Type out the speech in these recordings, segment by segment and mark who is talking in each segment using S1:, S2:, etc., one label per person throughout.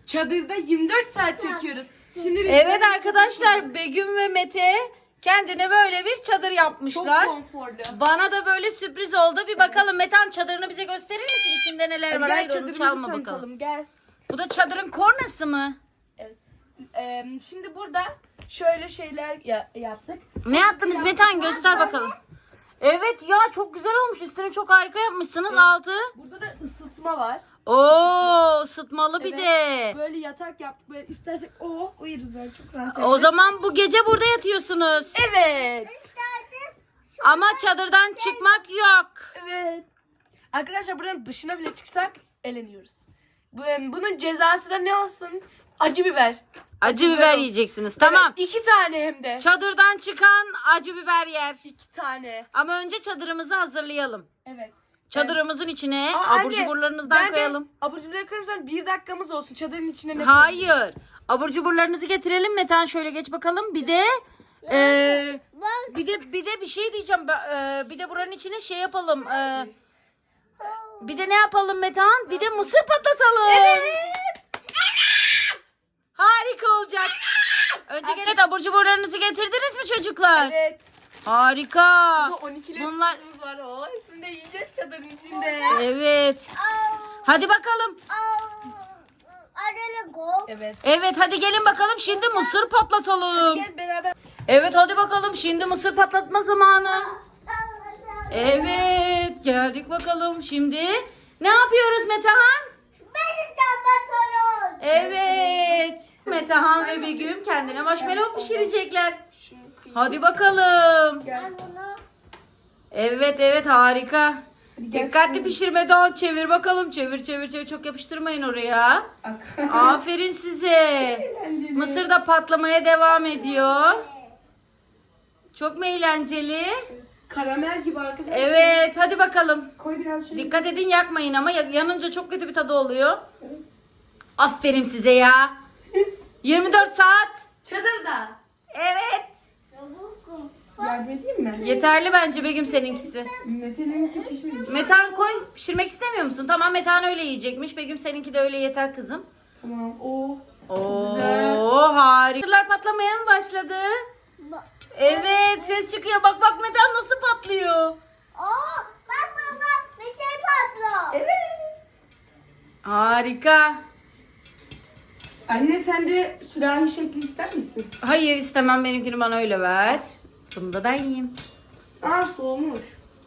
S1: çadırda 24 saat çekiyoruz. Şimdi
S2: Evet arkadaşlar, Begüm ve Mete kendine böyle bir çadır yapmışlar.
S1: çok konforlu.
S2: Bana da böyle sürpriz oldu. Bir bakalım Metehan, çadırını bize gösterir misin? İçinde neler
S1: Hadi
S2: var?
S1: gel
S2: Hayır, onu
S1: çadırımızı
S2: çalma
S1: tanıtalım.
S2: bakalım.
S1: Gel.
S2: Bu da çadırın kornası mı?
S1: Evet. Şimdi burada şöyle şeyler yaptık.
S2: Ne yaptınız Metehan? Göster bakalım. Evet ya, çok güzel olmuş. Üstünü çok harika yapmışsınız,
S1: Evet.
S2: altı.
S1: Burada da ısıtma var.
S2: Oo, ısıtmalı bir
S1: Evet.
S2: de.
S1: Böyle yatak yaptık. Böyle istersek uyuruz böyle çok rahat.
S2: O zaman bu gece burada yatıyorsunuz.
S1: Evet.
S2: Ama çadırdan çıkmak yok.
S1: Evet. Arkadaşlar buranın dışına bile çıksak eleniyoruz. Bunun cezası da ne olsun? Acı biber.
S2: Acı biber
S1: olsun.
S2: yiyeceksiniz. Tamam.
S1: Evet, 2 tane hem de.
S2: Çadırdan çıkan acı biber yer.
S1: 2 tane.
S2: Ama önce çadırımızı hazırlayalım.
S1: Evet.
S2: Çadırımızın içine
S1: Aa,
S2: abur
S1: anne,
S2: cuburlarınızdan
S1: ben de
S2: koyalım.
S1: Abur cuburları koyayım, sonra 1 dakikamız olsun. Çadırın içine ne koyalım?
S2: Hayır. Abur cuburlarınızı getirelim. Metehan şöyle geç bakalım. Bir de bir de bir şey diyeceğim. Bir de buranın içine şey yapalım. Bir de ne yapalım Metehan? Bir de mısır patlatalım.
S1: Evet.
S2: Harika olacak. Önce gene abur cuburlarınızı getirdiniz mi çocuklar?
S1: Evet.
S2: Harika.
S1: Burada 12
S2: Bunlar
S1: litremiz var. O hepsini de yiyeceğiz çadırın içinde.
S2: evet. Hadi bakalım.
S1: Evet.
S2: Evet, hadi gelin bakalım, şimdi mısır patlatalım.
S1: Gel beraber.
S2: Evet, hadi bakalım, şimdi mısır patlatma zamanı. Evet, geldik bakalım. Şimdi ne yapıyoruz Metehan? Evet. Metehan ve Begüm kendine marshmallow pişirecekler.
S1: Şunu kıyayım.
S2: Hadi bakalım.
S1: Gel.
S2: Evet, harika.
S1: gel
S2: Dikkatli
S1: şimdi.
S2: pişirme, daha çevir bakalım. Çevir. Çok yapıştırmayın oraya.
S1: Ak-
S2: Aferin size.
S1: Eğlenceli.
S2: Mısır da patlamaya devam ediyor. Çok mu eğlenceli?
S1: Karamel gibi arkadaşlar.
S2: Evet, hadi bakalım.
S1: Koy biraz şöyle.
S2: Dikkat edin, yakmayın ama yanınca çok kötü bir tadı oluyor.
S1: Evet.
S2: Aferin size ya. 24 saat.
S1: Çadırda.
S2: Evet.
S1: Yardım edeyim mi?
S2: Yeterli bence Begüm seninkisi.
S1: Mete'nin tek pişmemiş.
S2: Metehan koy. Pişirmek istemiyor musun? Tamam, Metehan öyle yiyecekmiş. Begüm seninki de öyle yeter kızım.
S1: Tamam. O.
S2: Oo,
S1: Güzel.
S2: harika. Mısırlar patlamaya mı başladı? Evet, ses çıkıyor. Bak Metehan nasıl patlıyor.
S1: Evet.
S2: Harika.
S1: Anne sen de sürahi şekli ister misin?
S2: Hayır, istemem, benimkini bana öyle ver. Bunu da ben yiyeyim.
S1: Aa soğumuş.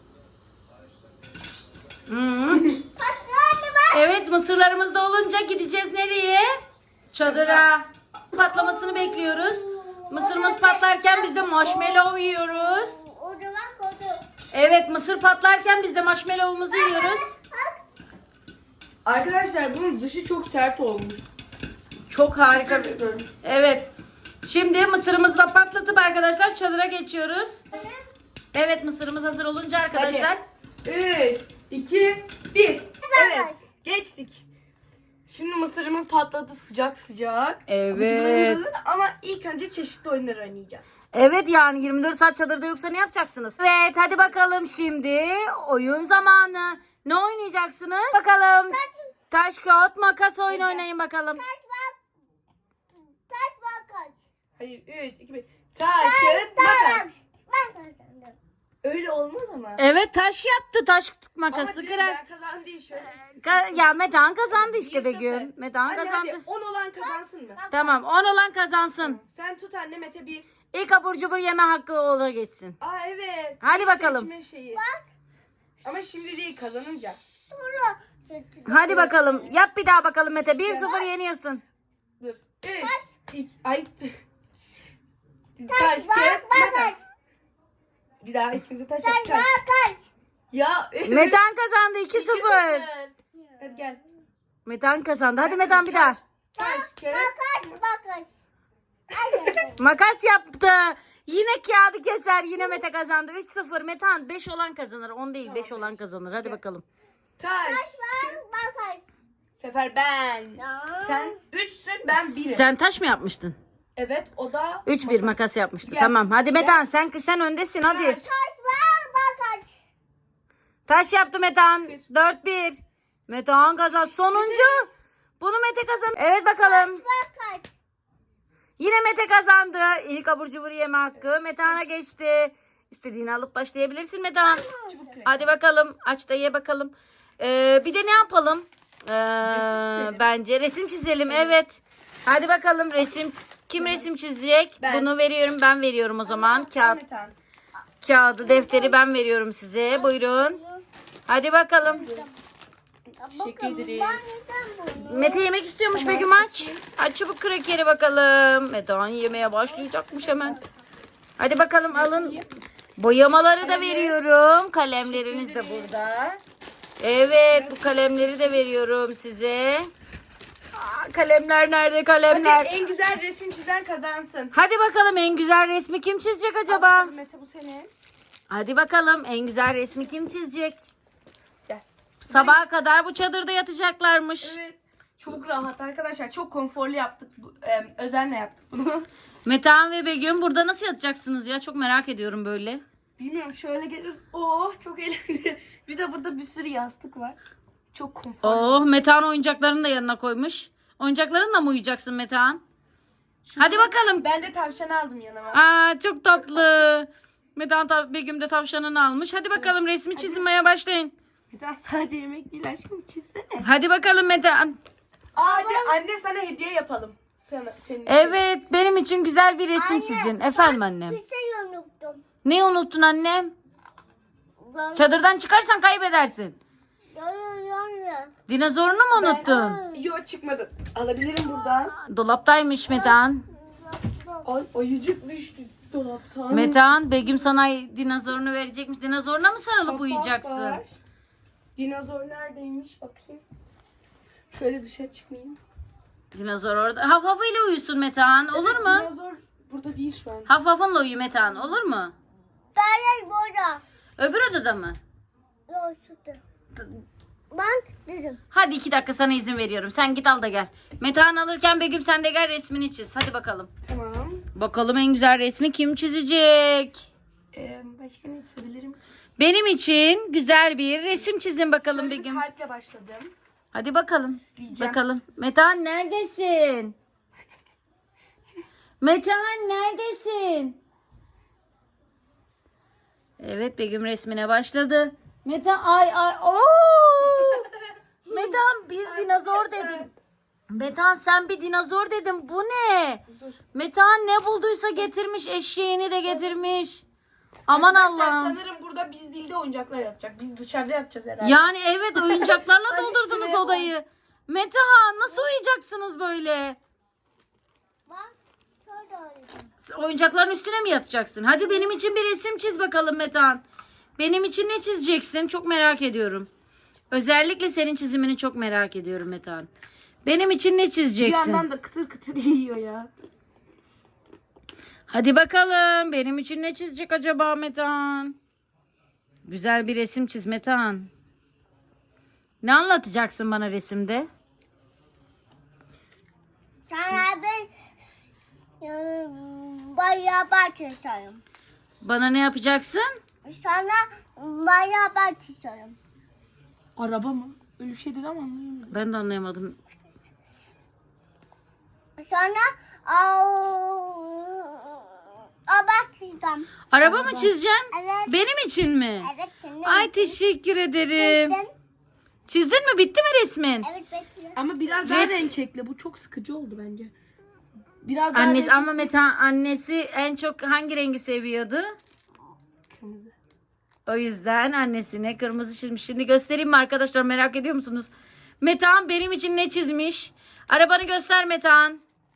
S2: Hmm. Evet, mısırlarımız da olunca gideceğiz nereye? Çadıra. Patlamasını bekliyoruz. Mısırımız patlarken biz de marshmallow yiyoruz. Evet, mısır patlarken biz de marshmallow'umuzu yiyoruz.
S1: Arkadaşlar bunun dışı çok sert olmuş.
S2: Çok harika. Evet. Şimdi mısırımızı da patlatıp arkadaşlar çadıra geçiyoruz. Evet, mısırımız hazır olunca arkadaşlar.
S1: 3, 2, 1. Evet. Geçtik. Şimdi mısırımız patladı sıcak.
S2: Evet.
S1: Abur-cuburlarımız hazır ama ilk önce çeşitli oyunlar oynayacağız.
S2: Evet, yani 24 saat çadırda yoksa ne yapacaksınız? Evet, hadi bakalım, şimdi oyun zamanı. Ne oynayacaksınız? Bakalım. Taş, kağıt, makas oyun oynayın bakalım.
S1: Hayır 3, 2, 1. Taş, kağıt, makas. Öyle olmaz ama.
S2: Evet, taş yaptı. Taş makası
S1: Ama
S2: kırar.
S1: ben kazandı şöyle.
S2: Ya Metehan kazandı işte
S1: 1-0.
S2: Begüm. Metehan
S1: Anne
S2: kazandı.
S1: hadi 10 olan kazansın mı?
S2: Tamam, 10 olan kazansın.
S1: Sen tut anne Mete 1.
S2: İlk abur cubur yeme hakkı ona geçsin.
S1: Aa evet.
S2: Hadi
S1: İlk
S2: bakalım.
S1: seçme şeyi. Ama şimdi değil kazanınca.
S2: Hadi bakalım. Yap bir daha bakalım Mete. 1-0 yeniyorsun.
S1: Dur. 3, 2, ay. Taş, kağıt, makas. Bir daha ikimiz de taş yapacağız. Ya.
S2: Metehan kazandı 2-0.
S1: Hadi gel.
S2: Metehan kazandı. Hadi Metehan bir daha.
S1: Taş, kağıt.
S2: Makas yaptı. Yine kağıdı keser. Yine Mete kazandı. 3-0. Metehan 5 olan kazanır. 10 değil, 5 olan kazanır. Hadi bakalım.
S1: Taş. Bu sefer ben. Sen 3'sün ben 1'im.
S2: Sen taş mı yapmıştın?
S1: Evet o da
S2: 3-1 makas yapmıştı.
S1: Gel.
S2: Tamam. Hadi Metehan sen öndesin hadi.
S1: Taş.
S2: Taş yaptı Metehan.
S1: Bir.
S2: 4-1. Metehan kazandı. Sonuncu. Bunu Mete kazandı. Evet bakalım. Yine Mete kazandı. İlk abur cubur yeme hakkı Metehan'a geçti. İstediğini alıp başlayabilirsin Metehan.
S1: Çubuk kırık.
S2: Hadi bakalım aç da ye bakalım. Bir de ne yapalım?
S1: çizelim.
S2: Bence resim çizelim. Evet. Hadi bakalım resim. Kim resim çizecek?
S1: Ben.
S2: Bunu veriyorum. Ben veriyorum o zaman. Kağıt,
S1: Metehan.
S2: kağıdı, defteri ben veriyorum size. Buyurun. Hadi bakalım.
S1: Teşekkür ederiz.
S2: Mete yemek istiyormuş Begüm aç. Aç çabuk krakeri bakalım. Metehan yemeye başlayacakmış hemen. Hadi bakalım alın. Boyamaları da veriyorum. Kalemleriniz de burada. Evet bu kalemleri de veriyorum size. Kalemler nerede kalemler?
S1: Hadi en güzel resim çizen kazansın.
S2: Hadi bakalım en güzel resmi kim çizecek acaba?
S1: Mete bu senin.
S2: Hadi bakalım en güzel resmi kim çizecek?
S1: Gel.
S2: Sabaha kadar bu çadırda yatacaklarmış.
S1: Evet. Çok rahat arkadaşlar. Çok konforlu yaptık. Özenle yaptık bunu.
S2: Metehan ve Begüm burada nasıl yatacaksınız ya? Çok merak ediyorum böyle.
S1: Bilmiyorum şöyle geliriz. Oh çok eğlenceli. Bir de burada bir sürü yastık var. Çok konforlu.
S2: Oh Metehan oyuncaklarını da yanına koymuş. Oyuncaklarınla mı uyuyacaksın Metehan? Hadi bakalım.
S1: Ben de tavşan aldım yanıma.
S2: Aa çok tatlı. Metehan Begüm de tavşanını almış. Hadi bakalım resmi çizmeye başlayın.
S1: Bir daha sadece yemek değil aşkım çizsene.
S2: Hadi bakalım Metehan.
S1: Hadi anne sana hediye yapalım. Senin için.
S2: Evet benim için güzel bir resim çizin. Efendim annem.
S3: Bir şey unuttum.
S2: Ne unuttun annem? Çadırdan çıkarsan kaybedersin. Dinozorunu mu unuttun?
S1: Yok çıkmadı. Alabilirim buradan.
S2: Dolaptaymış Metehan.
S1: Ay ayıcık düştü dolaptan.
S2: Metehan Begüm sana dinozorunu verecekmiş. Dinozoruna mı sarılıp
S1: Kapak
S2: uyuyacaksın?
S1: var. Dinozor neredeymiş bakayım. Şöyle dışarı çıkmayayım.
S2: Dinozor orada. Haf hafıyla uyusun Metehan. Olur mu?
S1: Dinozor burada değil şu an.
S2: Haf hafınla uyu Metehan. Olur mu?
S3: Dayak burada.
S2: Öbür odada mı?
S3: Yok şurada. Ben dedim.
S2: Hadi 2 dakika sana izin veriyorum. Sen git al da gel. Metehan alırken Begüm sen de gel resmini çiz. Hadi bakalım.
S1: Tamam.
S2: Bakalım en güzel resmi kim çizecek?
S1: Başka ne çizebilirim ki?
S2: Benim için güzel bir resim çizin bakalım
S1: Şöyle bir
S2: Begüm.
S1: kalple başladım.
S2: Hadi bakalım.
S1: Süsleyeceğim.
S2: Bakalım. Metehan neredesin? Metehan neredesin? Evet Begüm resmine başladı. Metehan ay oo! Metehan bir dinozor dedim. Metehan sen bir dinozor dedim. Bu ne?
S1: Dur.
S2: Metehan ne bulduysa getirmiş. Eşeğini de getirmiş. Aman
S1: Arkadaşlar,
S2: Allah'ım.
S1: sanırım burada biz değil de oyuncaklar yatacak. Biz dışarıda yatacağız herhalde.
S2: Yani evet oyuncaklarla
S1: Hadi
S2: doldurdunuz
S1: şuraya
S2: odayı. Metehan nasıl uyuyacaksınız böyle?
S3: Ben şöyle oynayacağım.
S2: Oyuncakların üstüne mi yatacaksın? Hadi benim için bir resim çiz bakalım Metehan. Benim için ne çizeceksin? Çok merak ediyorum. Özellikle senin çizimini çok merak ediyorum Metehan. Benim için ne
S1: Bir
S2: çizeceksin?
S1: yandan da kıtır kıtır yiyor ya.
S2: Hadi bakalım. Benim için ne çizecek acaba Metehan? Güzel bir resim çiz Metehan. Ne anlatacaksın bana resimde?
S3: Sana ben bayağı çiziyorum.
S2: Bana ne yapacaksın?
S3: Sana bayağı çiziyorum.
S1: Araba mı? Öyle bir şey dedi ama anlayamadım.
S2: Ben de anlayamadım.
S3: Sonra araba çizeceğim.
S2: Araba mı çizeceksin?
S3: Evet.
S2: Benim için mi?
S3: Evet senin.
S2: Ay teşekkür ederim.
S3: Çizdim.
S2: Çizdin mi? Bitti mi resmin?
S3: Evet bekle.
S1: Ama biraz daha
S2: Res-
S1: renk ekle. Bu çok sıkıcı oldu bence. Biraz daha
S2: Annesi
S1: renk
S2: ama Metehan annesi en çok hangi rengi seviyordu?
S1: kırmızı.
S2: O yüzden annesine kırmızı çizmiş. Şimdi göstereyim mi arkadaşlar merak ediyor musunuz? Metehan benim için ne çizmiş? Arabanı göster Metehan.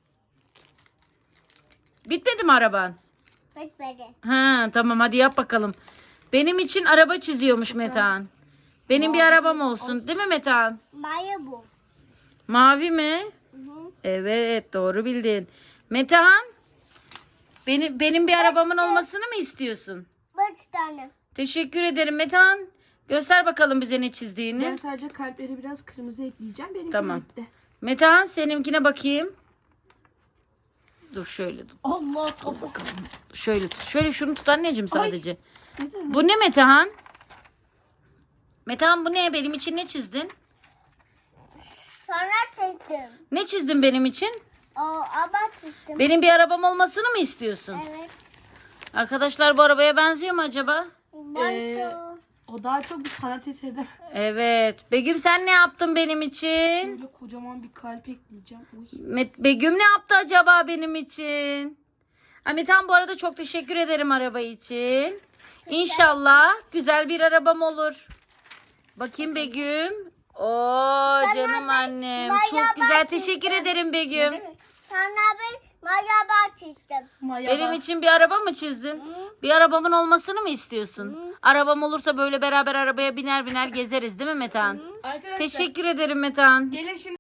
S2: Bitmedi mi araban?
S3: Bekle.
S2: Ha tamam hadi yap bakalım. Benim için araba çiziyormuş Metehan. Benim bir arabam olsun değil mi Metehan?
S3: Maya bu.
S2: Mavi mi?
S3: Hı hı.
S2: Evet doğru bildin. Metehan benim bir arabamın olmasını mı istiyorsun?
S3: 5 tane.
S2: Teşekkür ederim Metehan. Göster bakalım bize ne çizdiğini.
S1: Ben sadece kalpleri biraz kırmızı ekleyeceğim. Benimki
S2: Tamam.
S1: bitti.
S2: Metehan seninkine bakayım. Dur şöyle tut.
S1: Allah kafa.
S2: Şöyle tut. Şöyle şunu tut anneciğim sadece.
S1: Neden?
S2: Bu ne Metehan? Metehan bu ne? Benim için ne çizdin?
S3: Sonra çizdim.
S2: Ne çizdin benim için?
S3: O araba çizdim.
S2: Benim bir arabam olmasını mı istiyorsun?
S3: Evet.
S2: Arkadaşlar bu arabaya benziyor mu acaba?
S3: Bantu.
S1: O daha çok bir sanat eseri.
S2: Evet. Begüm sen ne yaptın benim için?
S1: Böyle kocaman bir kalp ekleyeceğim. Uy.
S2: Begüm ne yaptı acaba benim için? Metan bu arada çok teşekkür ederim araba için. İnşallah güzel bir arabam olur. Bakayım Begüm. Oo canım annem. Çok güzel teşekkür ederim Begüm.
S3: Sonra ben araba çizdim.
S1: Maya
S2: Benim
S1: bak.
S2: için bir araba mı çizdin? Bir arabamın olmasını mı istiyorsun? Arabam olursa böyle beraber arabaya biner biner gezeriz değil mi Metan?
S1: Arkadaşlar
S2: Teşekkür ederim Metan.
S1: gelin şimdi